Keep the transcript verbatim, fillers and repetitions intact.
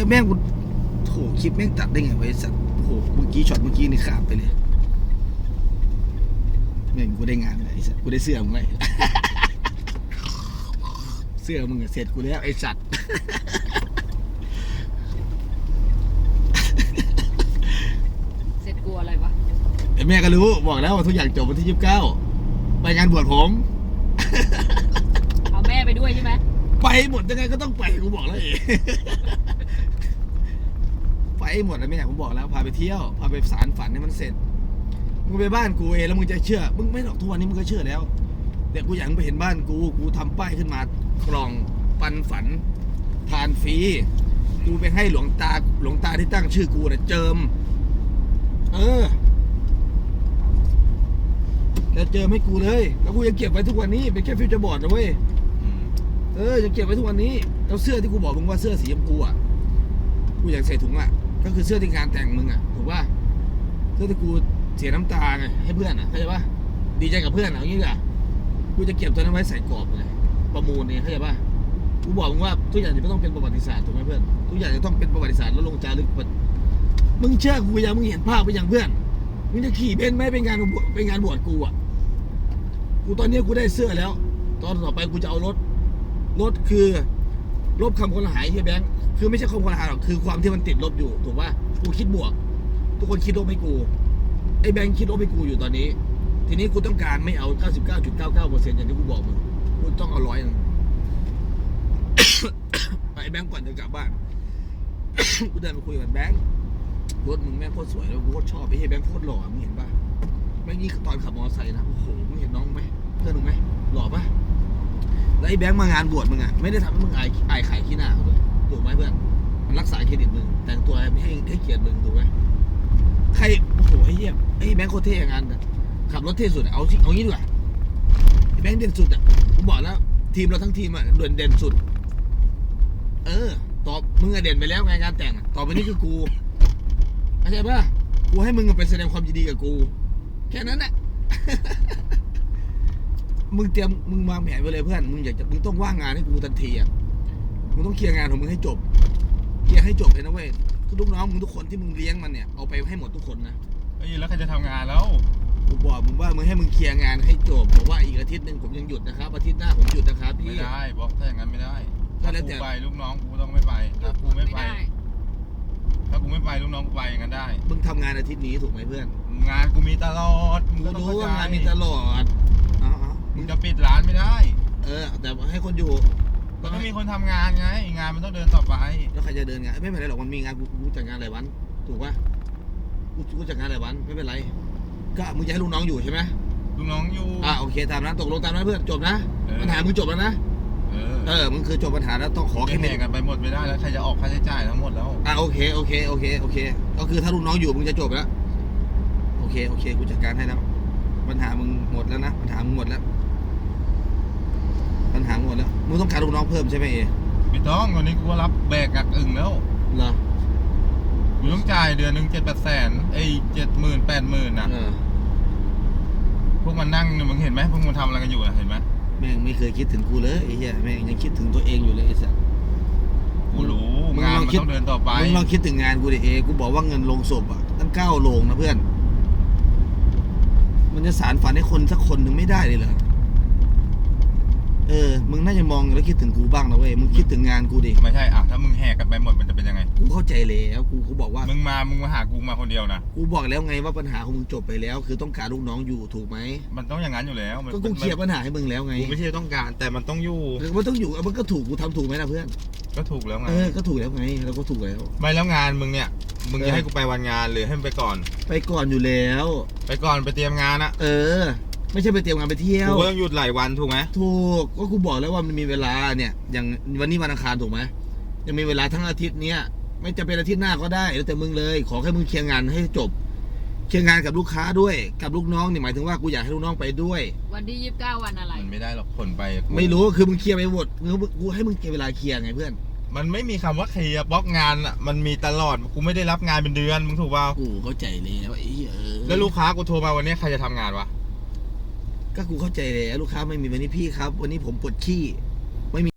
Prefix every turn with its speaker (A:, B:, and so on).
A: แล้วแม่งกูโถคลิปแม่งตัดได้ไงวะไอ้สัตว์โอ้โหเมื่อกี้ช็อตเมื่อกี้นี่ขาดไปเลยแม่งกูได้งานเลยไอ้สัตว์กูได้เสื้อมึงไง เสื้อมึงเสร็จกูแล้วไอ้สัตว์
B: เสร็จกลัวอะไรวะ
A: ไอ้แม่ก็รู้บอกแล้วว่าทุกอย่างจบวันที่ยี่สิบเก้าไปงานบวชผม
B: เอาแม่ไปด้วยใช่ไหม
A: ไปหมดยังไงก็ต้องไปกูบอกแล้วเอง ไปหมดแล้วแม่ผมบอกแล้วพาไปเที่ยวพาไปสารฝันให้มันเสร็จมึงไปบ้านกูเองแล้วมึงจะเชื่อมึงไม่หรอกทุกวันนี้มึงก็เชื่อแล้วแต่กูอยากมึงไปเห็นบ้านกูกูทำป้ายขึ้นมากล่องปันฝันทานฟรีกูไปให้หลวงตาหลวงตาที่ตั้งชื่อกูนะเจิมเออแล้วเจิมให้กูเลยแล้วกูยังเก็บไว้ทุกวันนี้เป็นแค่ฟิวเจอร์บอร์ดนะเว้ยเออยังเก็บไว้ทุกวันนี้แล้วเสื้อที่กูบอกมึงว่าเสื้อสีชมพูอ่ะกูอยากใส่ถุงอ่ะก็คือเสื้อที่งานแต่งมึงอ่ะถูกป่ะเสื้อที่กูเสียน้ำตาไงให้เพื่อนอ่ะเข้าใจป่ะดีใจกับเพื่อนอ่ะอย่างนี้อ่ะกูจะเก็บตัวนั้นไว้ใส่กรอบเลยประมูลเนี่ยเข้าใจป่ะกูบอกมึงว่าทุกอย่างจะไม่ต้องเป็นประวัติศาสตร์ถูกไหมเพื่อนทุกอย่างจะต้องเป็นประวัติศาสตร์แล้วลงจารึกมึงเชื่อกูยังมึงเห็นภาพไปอย่างเพื่อนมึงจะขี่เบนซ์ไหมเป็นงานเป็นงานบวชกูอ่ะกูตอนนี้กูได้เสื้อแล้วตอนต่อไปกูจะเอารถรถคือลบคำคนหายที่แบงค์คือไม่ใช่คำคนหายหรอกคือความที่มันติดลบอยู่ถูกป่ะกูคิดบวกทุกคนคิดลบให้กูไอ้แบงค์คิดลบให้กูอยู่ตอนนี้ทีนี้กูต้องการไม่เอา เก้าสิบเก้าจุดเก้าเก้าเปอร์เซ็นต์ อย่างที่กูบอกมึงกูต้องเอาร้อยนึง ไปแบงค์ก่อนจะกลับบ้าน กูเดินไปคุยกับแบงค์รถมึงแม่งโคตรสวยแล้วกูโคตรชอบไอ้เหี้ยแบงค์โคตรหล่อมึงเห็นป่ะแม่งนี่ตอนขับมอเตอร์ไซค์นะโอ้โหมึงเห็นน้องไหมเพื่อนมึงไหมหล่อป่ะแล้วไอ้แบงค์มางานบวชมึงอ่ะไม่ได้ทำให้มึงอายอายขายขี้หน้าเขาด้วยถูกไหมเพื่อนมันรักษาเครดิตมึงแต่งตัวไม่ให้ให้เกียรติมึงถูกไหมใครโอ้โหไอ้เหี้ยไอ้แบงค์โคตรเท่อย่างนั้นขับรถเท่สุดเอาสิเอางี้ดีกว่าไอ้แบงค์เด่นสุดอ่ะผมบอกแล้วทีมเราทั้งทีมอ่ะเด่นเด่นสุดเออตอบมึงอะเด่นไปแล้วไงงานแต่งต่อไปนี้คือกูเข้าใจป่ะกูให้มึงไปแสดงความยินดีกับกูแค่นั้นแหละ มึงเตรียมมึงวางแผนไว้เลยเพื่อนมึงอยากจะมึงต้องว่างงานให้กูทันทีอ่ะมึงต้องเคลียร์งานของมึงให้จบเคลียร์ให้จบเลยนะเว้ยคือลูกน้องมึงทุกคนที่มึงเลี้ยงมันเนี่ยเอาไปให้หมดทุกคนนะ
C: เอ้ยแล้วใครจะทำงานแล้ว
A: กูบอกมึงว่ามึงให้มึงเคลียร์งานให้จบบอกว่าอีกอาทิตย์หนึ่งผมยังหยุดนะครับอาทิตย์หน้าผมหยุดนะครับพี่
C: ไม่ได้บอกถ้าอย่างนั้นไม่ได้
A: ก็
C: ถ้า
A: แล้ว
C: กู
A: แต่
C: ไปลูกน้องกูต้องไม่ไปถ้ากูไม่ไป ถ้ากูไม่ไปลูกน้องกูไปอย่างนั้นได้
A: มึงทำงานอาทิตย์นี้ถูกไหมเพื่อน
C: งานกูมีตลอด
A: กู
C: ก็ต้อง
A: รู้
C: เข้
A: ว่างานมีตลอดอ๋อๆ
C: มึงจะปิดร้านไม่ได้
A: เออแต่ให้คนอยู่
C: มันต้องมีคนทำงานไงงานมันต้องเดินต่อไป
A: แล้วใครจะเดินงานไม่เป็นไรหรอกมันมีงานกูกูจัดงานหลายวันถูกป่ะกูกูจัดงานหลายวันไม่เป็นไรก็มึงจะให้ลูกน้องอยู่ใช่ไหม
C: ลูกน้องอยู่
A: อ่าโอเคตามนั้นตกลงตามนั้นเพื่อนจบนะ
C: เออ
A: ปัญหามึงจบแล้วนะ
C: เออ
A: เออมึงคือจบปัญหาแล้วต้องขอ
C: แค่
A: แค่
C: แม่
A: นี้
C: กันไปหมดไม่ได้แล้วใครจะออกค่าใช้จ่ายทั้งหมดแล้ว
A: อ่าโอเคโอเคโอเคโอเคก็คือถ้าลูกน้องอยู่มึงจะจบแล้วโอเคโอเคกูจัดการให้แล้วปัญหามึงหมดแล้วนะปัญหามึงหมดแล้วปัญหาหมดแล้วมึงต้องการลูกน้องเพิ่มใช่ไหมเอ
C: ไม่ต้องวันนี้กูก็รับแบกกักอึ่งแล้ว
A: เหรอ
C: กูต้องจ่ายเดือนหนึ่งเจ็ดแปดแสนไอ้เจ็ดหมื่นแปดหมื่นน่ะ
A: เออ
C: พวกมันนั่งเนี่ยมึงเห็นไหมพวกมันทำอะไรกันอยู่อะเห็นไหม
A: แม่งไม่เคยคิดถึงกูเลยไอ้เหี้ยแม่งยังคิดถึงตัวเองอยู่เลยไอ้สัส
C: กูรู้
A: มึง
C: งาน
A: ลอง
C: มัน
A: คิด
C: ต้องเดินต่อไป
A: มึงลองคิดถึงงานกูดิเอกูบอกว่าเงินลงศพอ่ะตั้งเก้าโลงนะเพื่อนมันจะสารฝันให้คนสักคนหนึ่งไม่ได้เลยเหรอเออมึงน่าจะมองแล้วคิดถึงกูบ้างนะเว้ยมึงคิดถึงงานกูดิ
C: ไม่ใช่อ่ะถ้ามึงแหกกันไปหมดมันจะเป็นยังไง
A: กูเข้าใจแล้วกูกูบอกว่า
C: มึงมามึงมาหากูมาคนเดียวนะ
A: กูบอกแล้วไงว่าปัญหาของมึงจบไปแล้ว คือต้องการลูกน้องอยู่ถูกไหม
C: มันต้องอย่างนั้นอยู่แล้วมัน
A: ก็กูเคลียร์ปัญหาให้มึงแล้วไง
C: กูไม่ใช่ต้องการแต่มันต้องอยู่
A: เออมันต้องอยู่เอามันก็ถูกกูทำถูกไหมล่ะเพื่อน
C: ก็ถูกแล้วไง
A: เออก็ถูกแล้วไงเราก็ถูกแล้ว
C: ไม่แล้วงานมึงเนี่ยมึง
A: เอ
C: จะ
A: อ
C: ให้กูไปวันงานหรือให้มึงไปก่อน
A: ไปก่อนอยู่แล้ว
C: ไปก่อนไปเตรียมงานอะ
A: เออ ไม่ใช่ไปเตรียมงานไปเที่ยว
C: กูก็ต้องหยุดหลายวันถูกไหม
A: ถูกก็กูบอกแล้วว่ามันมีเวลาเนี่ย อย่างวันนี้วันอังคารถูกไหมยังมีเวลาทั้งอาทิตย์เนี้ยไม่จะเป็นอาทิตย์หน้าก็ได้แล้วแต่มึงเลยขอแค่มึงเคลียร์งานให้จบเคลียร์งานกับลูกค้าด้วยกับลูกน้องนี่หมายถึงว่ากูอยากให้ลูกน้องไปด้วย
B: วันที่ยี่สิบเก้าวันอะไร
C: มันไม่ได้หรอกคนไปกู
A: ไม่รู้คือมึงเคลียร์ไปหมดมึงกูให้มึงเก็บเวลาเคลียร์ไงเพื่อน
C: มันไม่มีคำว่าเคลียร์บล็อกงานอะมันมีตลอดกูไม่ได้รับงานเป็นเดือนมึงถูกเปล่า
A: กูเข้าใจแล้วไอ้เหี้ยเออ
C: แล้วลูกค้ากูโทรมาวันนี้ใครจะทำงานวะ
A: ก็กูเข้าใจแล้วลูกค้าไม่มีวันนี้พี่ครับ วันนี้ผมปวดขี้